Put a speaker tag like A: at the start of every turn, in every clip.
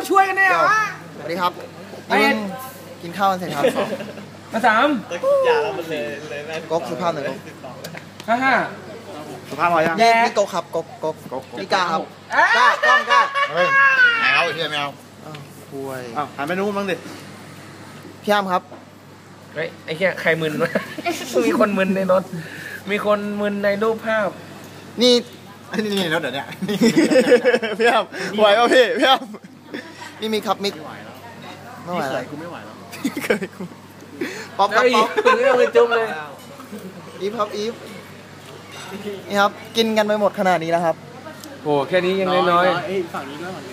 A: ต้องช่วยกันเนี่ยเหรอ
B: สวัสดีครับนี่กินข้าวกันเสร็จครับ
A: มาสาม
C: อย่าแล้วมันเลย
B: ก๊กสุภาพหนึ่ง
A: ห้า
B: สุภาพพอยังนี่ก๊กครับก๊กนี่กาครับกล้อง
C: เฮ้ยแมวเฮียแมว
B: คุย
C: หันไปนู้นบ้างดิ
B: พี่อ้ำครับ
A: เฮ้ยไอ้แค่ใครมึนวะมีคนมึนในรถมีคนมึนในรูปภาพ
B: นี่
C: รถเดี๋ยวนี้
B: พี่อ้ำไหวป่ะพี่อ้ำนี่มีครับมิกไม่ไหวแล้ว
C: กูไม่ไหวแล้ว
B: เคยป๊อปครับป๊อป
A: เรื่องจุ่มเลย
B: อีฟครับอีฟนี่ครับกินกันไปหมดขนาดนี้แล้วครับ
A: โอ้แค่นี้ยังน้อย
C: ฝั่งนี้ด้วย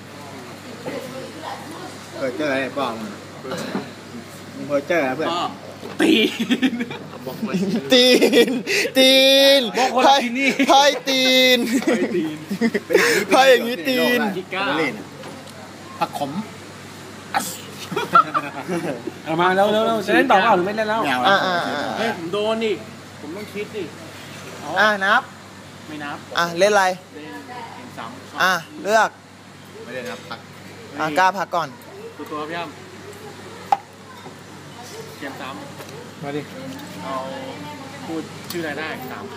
C: เจออะไรบ้างมึงเจออะไรเพื่อน
B: ตีนไพ่ตีนไพ่อย่างนี้ตีน
C: ผักขม
A: เอามาแล้วจะเล่นต่อเปล่าหรือไม่เล่นแล้ว
C: เฮ้ยผมโดนดิผมต้องคิดดิ
B: นับ
C: ไม่นับ
B: เล่นอะไร
C: เล่นซ้
B: ำเลือก
C: ไม่เล่นครับพัก
B: กล้าพักก่อน
C: ตัวพี่อ้ำเกมซ้
A: ำมาดิ
C: เอาพูดชื่ออะไรได้3 ค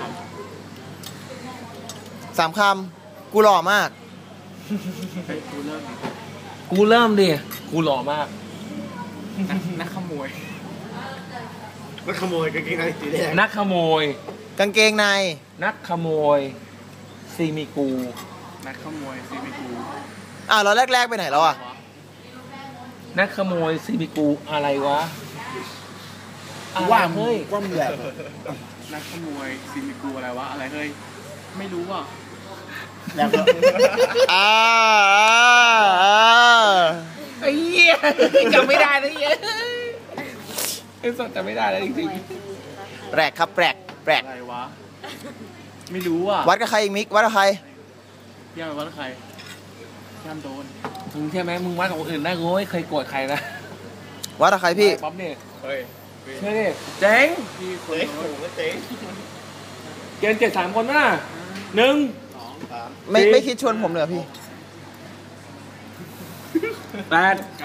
B: ำ3 คำกูหล่อมาก
C: กูเริ่ม
A: ดิกูหล่อมาก
C: นักขโมยกางเกงในสีแดง
A: นักขโมย
B: กางเกงใน
A: นักขโมยซีมิกู
C: นักขโมยซีมิกู
B: เราแรกไปไหนแล้ว
A: นักขโมยซีมิกูอะไรวะ
B: ว่าเฮ้ยว่ามึงแบบ
C: นักขโมยซีมิกูอะไรวะอะไรเฮ้ยไม่รู้อ่ะ
B: แล้ว
A: ไอ้เหี้ยจำไม่ได้นะเหี้ยไอ้สดจำไม่ได้แล้วจริง
B: ๆแปลกครับแปลก
C: อะไรวะไม่รู้อ่ะ
B: วัดกับใครอีกมิกวัดกับใคร
C: พี่อ้ำวัดกับใครพี่อ้ำโดน
A: มึงใช่ไหมมึงวัดกับคนอื่นได้กูไม่เคยโกรธใครนะ
B: วัดกับใครพี่
A: ป๊อปเนี่ย
C: เฮ้ย
A: ใช่ดิเจ๋ง
C: พี่คนโดนเจ๋ง
A: เกณฑ์7 3 คนป่ะ1
C: 2 3
B: ไม่คิดชวนผมเลยพี่
A: 8
C: 9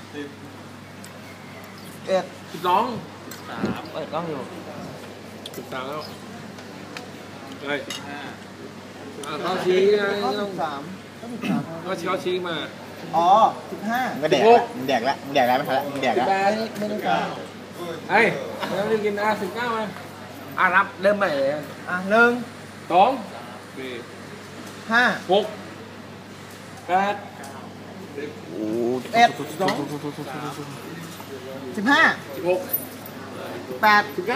B: 10 11
A: 12
C: 13
A: กล้องอยู่13แล้วเฮ้ยเขาชี้ไงต้อง
B: 13
A: ก็เขาชี้มา
B: 15
C: มึงแดกแล้วไม่ทันแล้วมึงแดกแล้ว
B: ไม่ได้ฟัง
A: เฮ้ยเราจะกิน19มารับเริ่มใหม่เลย
B: 1
A: 2 4
B: 5
A: 6 8
B: 11 15
A: 16
B: 8 19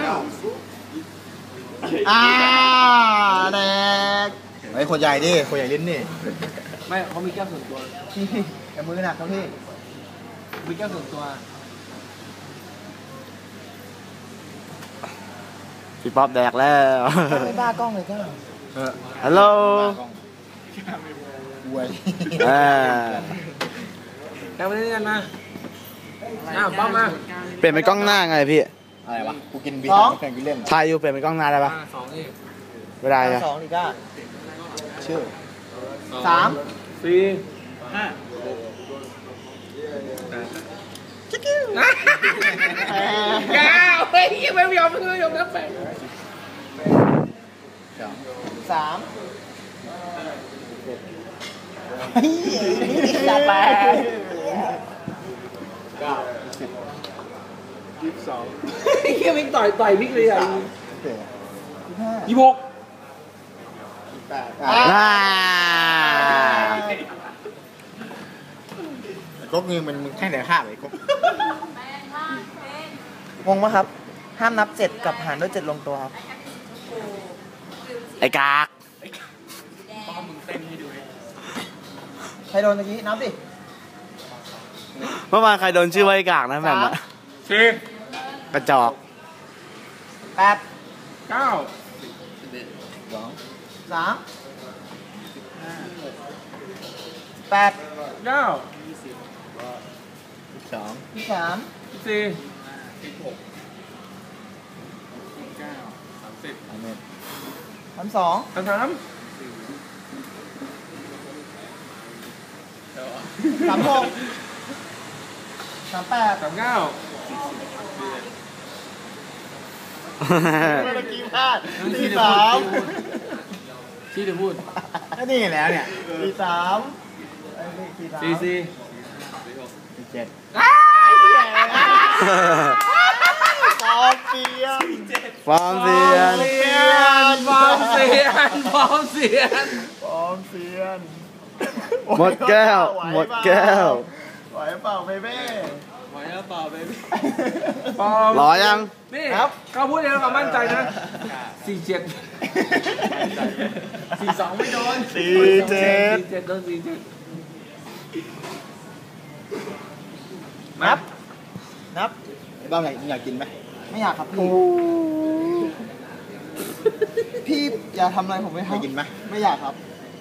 B: แดก
C: ไอ้คนใหญ่ดิคนใหญ่ลิ้นนี่
A: ไม่เขามีแก้วส่วนตัว
B: พี่แต่มือหนักครับพี่
A: มีแก้วส่วนตัว
B: พี่ป๊อปแดกแล้วไม่บ้ากล้องเลยก็ฮัลโหล
C: อวย
A: แล้วมาเล่นกันมาป๊อปมา
B: เปลี่ยนเป็นกล้องหน้าไงพี่
C: อะไรวะกูกินเบียร์แข่งกินเล่น
B: ถ่ายอยู่เปลี่ยนเป็นกล้องหน้าได้ปะ
A: 2นี่
B: ไม่ได้อะ2ดีก้าชื่อ3
A: 4 5
B: จิ๊กกิ้ว
A: เฮ้ยไม่ยอมนับแปด
B: 3จัดไป
A: 22เฮียมิกต่อยมิกเลยอ่ะ26
C: ก๊กมึงแค่ไหนห้าเลยก๊ก
B: งงไหมครับห้ามนับ7กับหารด้วย7ลงตัวครับไอ้กาก
C: ป้อมมึงเต้นให้ดู
B: ใครโดนตะกี้นับดิ
D: เมื่อวานใครโดนชื่อว่าไอ้กากนะแบบนั้น
A: 10
D: กระจอก
B: 8
A: 9
B: 3 8
A: 9
B: 23
A: 4
B: 32
A: 33
B: 36 38
A: 39
B: เมื่อกี้พลาด43
A: ที่จะพูด
B: ก็นี่แล้วเนี่ย43
A: 44
B: 47ฟอร์มเซียน
D: ฟอร์มเซียน
A: ฟอร์มเซียนฟอร์มเซียน
B: ฟอร์มเซียน
D: หมดแก้ว หมดแก้ว
B: ไหวเปล่าเบเบ้
C: ไหวแล้วเปล่าเบบี้
A: ฟอร์ม
D: รอยัง
A: นี่
B: ครับ
A: เขาพูดเองกับมั่นใจนะ47 42ไม่โดน 47โดน47
B: นับบ้างไงอยากกินไหมไม่อยากครับพี่อย่าทำอะไรผมไม่ให้กินไหมไม่อยากครับ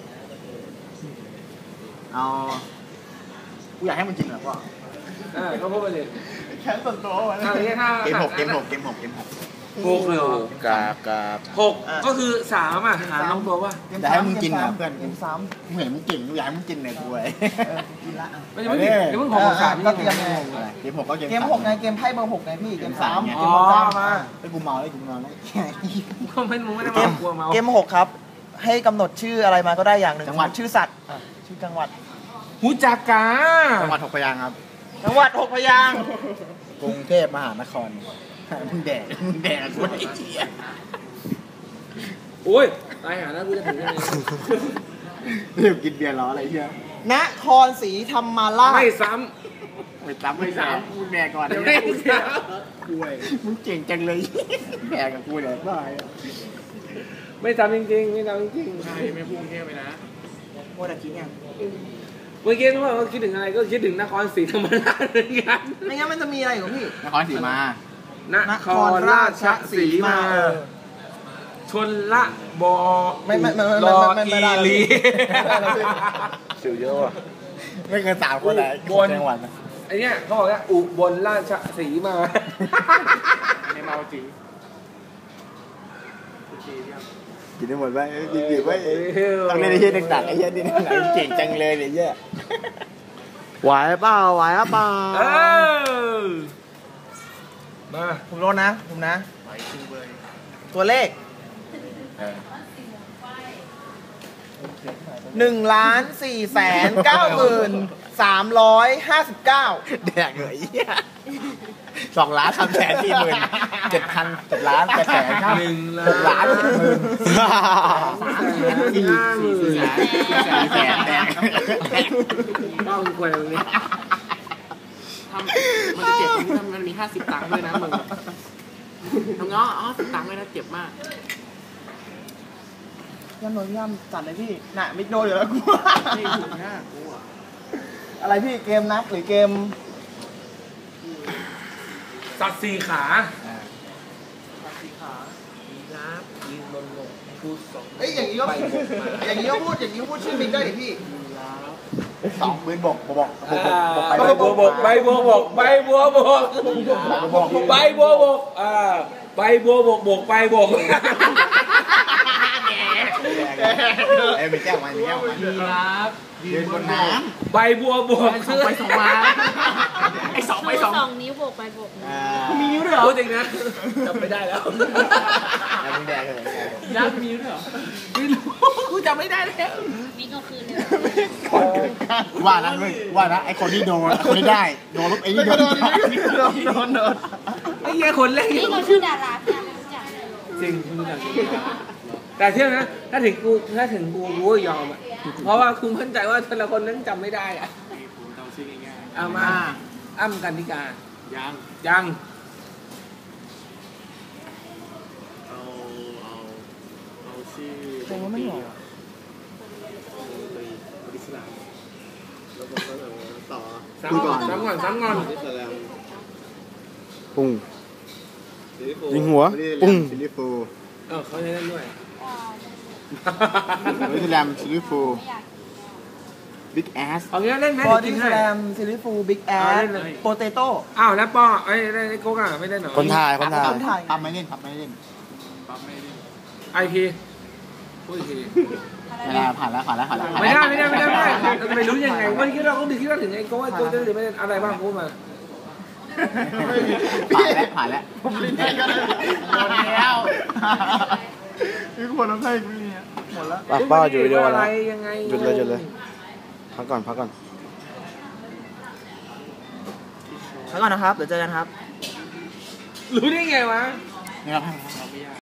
B: เอากูอยากให้มันกินเหรอพ่อ
A: ก็พูดไปเลย
B: แค่ส่วนตัววะ
A: เอาอย่างนี้ถ้า
B: เกม 6
A: 6เลยเหรอก
D: ราบ
A: 6ก็คือ3อ่ะหารลงตัวว่า
B: แต่ให้มึงกินนะเพื่อนเกม3กูเห็นมึงเก่งกูอยากให้มึงกินเนี่ยกูไอ้กินละ
A: ไม่ใช่เพิ่ง6 3นี่
B: ก็เตรียมไงเกม 6ก็เกม 6ไงเกมไพ่เบอร์ 6ไงพี่เกม 3
A: อ๋อมา
B: ไอ้กูเมาแล้วกูนอนแล้ว
A: ก็ไม่มึงไม่ได้มากลัวเมา
E: เกม 6 ครับ ให้กำหนดชื่ออะไรมาก็ได้อย่างหนึ่ง
B: จังหวัด
E: ชื่อสัตว์ชื่อจังหวัด
A: หูจักกา
B: จังหวัด6 พยางค์ครับ
E: จังหวัด 6 พยางค์
B: กรุงเทพมหานครมึงแดกกูไอ้เจี๊ย
A: โอ้ยตายหาแล้วกูจะถึงยังไง
B: เรียกกินเบียร์ล้ออะไรเงี้ย
E: นครศรีธรรมราช
A: ไม่ซ้
B: ไม่ซ้ำมึงแดกก่อน
A: ำไม่ซ้
B: กูไอ้มึงเก่งจังเลยแดกกับกูเลยบ้า
A: ำไม่ซ้ำจริงๆไม่ซ้ำจริง
C: ใช่ไม่พุ่งเทพไปนะ
E: โมดากิเนี่ย
A: ๆเมื่อกี้นึกว่าคิดถึงอะไรก็คิดถึงนครศรีธรรมราชเหมือนกัน
E: ไม่งั้นมันจะมีอะไรอยู่พี่
B: นครศรีมาน
A: ครราชสีมาชนละบอ
E: ไม่
A: รอ
E: ไม่
A: อี
E: ได้
A: ลี
D: สิวเยอะว่ะ
B: ไม่เกิน3 คนเลยจังหวัด
A: ไอเนี้ยเขาบอกว่าอุบลราชสีมา
C: ในเมาจริง
B: กินได้หมดไหมดีๆไว้ต้องเล่นไอ้เหี้ยหนักๆไอ้เหี้ยนี่หนักเก่งจังเลยเนี่ยเหี้ย
D: ไหวเปล่า ไหวเปล่า
A: เออมา
E: ผมโดนนะ ตัวเลข 1,490,359
B: แดกเลยเหี้ย2 ล้าน3 แสน4 หมื่น7,000 7 ล้าน8 แสน 6 ล้าน7 หมื่น
A: 50,000
B: 4 แสนแดก
A: ต้องกวยตรงนี้
C: ทำมันจะเจ็บตรงที่มันมี50 ตังค์ด้วยนะมึงทำเงาะ50 ตังค์ด้วยนะเจ็บมาก
E: ย่ำโดนย่ำจัดเลยพี่น่ะมิกโดนอยู่แล้วกู
C: ไม่ถูกหน้ากูอ่ะ
E: อะไรพี่เกมนับหรือเกม
A: สัตว์4 ขา
C: ยืนลงพูดสอง
E: เอ้ยอย่างนี้ก็พูดชื่อมิกได้ดิพี่
B: 2 ปืนบกบอก
A: ใบบัวบกใบบัวบกใบบัวบกใบบัวบกใบบัวบกบกใบบก
B: เอ้ยมีแก้วไหมมีแก้วไหม
C: ครับ
B: ยืนบนน้
A: ใบบัวบก
C: ส่งไปส่งมาไอ้2 ไป
F: ชู
C: 2
F: 2 นิ้วโบกไปโบกมา
B: ำ
C: มีนิ้วด้วยเหรอ
A: พูดจริงนะจำไม่ได้แล้ว
B: แล้วมึงแดกเลย
C: ยักษ์มีนิ้วด้วยเหรอไม่รู้กูจำไม่ได้แล้ว
F: นี่ก็คือเลย
B: ว่านะเว้ยว่านะไอ้คนที่โดนคนที่ได้โดนปุ๊บไอ้นี่โดน
A: ไอ้เหี้ยคนเล่น
F: นี่เขาชื่อดาราพี่ไม่รู้จักเลย
A: จริงคุณรู้จักแต่เชื่อนะถ้าถึงกูก็ยอมอ่ะเพราะว่าคุณมั่นใจว่าแต่ละคนนั้นจำไม่ได้อ่ะ
C: ผมเดาชื่อง่าย
A: เอามาอ้ำกันนิกา
C: ๆยัง
A: ยัง
C: เอาชื่อ
E: เกมว่าไม่หรอ
C: อิสลามแล้วก็ต่อ
A: ซ้ำก่อน
C: อิสลาม
D: ปุ้งยิงหัว ปุ้ง
B: ซิลิฟู
A: เขาใช้นั่นด้วย
B: บอดี้สแลมซิลิฟูบิ๊กแอส
A: เอางี้เล่นไหม
E: บอ
A: จริ
E: ดี้
A: ง
E: ส
A: ให้
E: แลมซิลิฟูบิ๊กแอ
A: เอา
E: ส
A: เล่นเลย
E: โปเตโต้
A: อ้าวแล้วป้อไอ้โก๊กอ่ะไม่ได้หรอ
D: คนถ่าย
E: คนถ่าย
B: ทำไม่เล่น
C: ปั๊มไม่ได้
A: ไอพี
B: ไ
A: พูดอีกที
B: ไม่ได้ผ่านแล้วผ่านแล้วผ่านแล้ว
A: ไม่ได้เราจะไปรู้ยังไงว่าที่เราต้องคิดว่าถึงไอ้โก้จะหรือไม่อะไรบ้างพูดมา
B: ผ่านแล้ว
E: ผมลิ้นได้ก็ได้
B: หมดแล้ว
E: มีคนน้ำไส้ไม่มีหมดแล้ว
D: ปากเป้าอยู่วิดีโอ
A: อะไร
D: แล้ว
A: ยังไง
D: หยุดเลยพักก่อน
B: พักก่อนนะครับเดี๋ยวเจอกันครับ
A: รู้ได้ไงวะ
B: นี่ครับ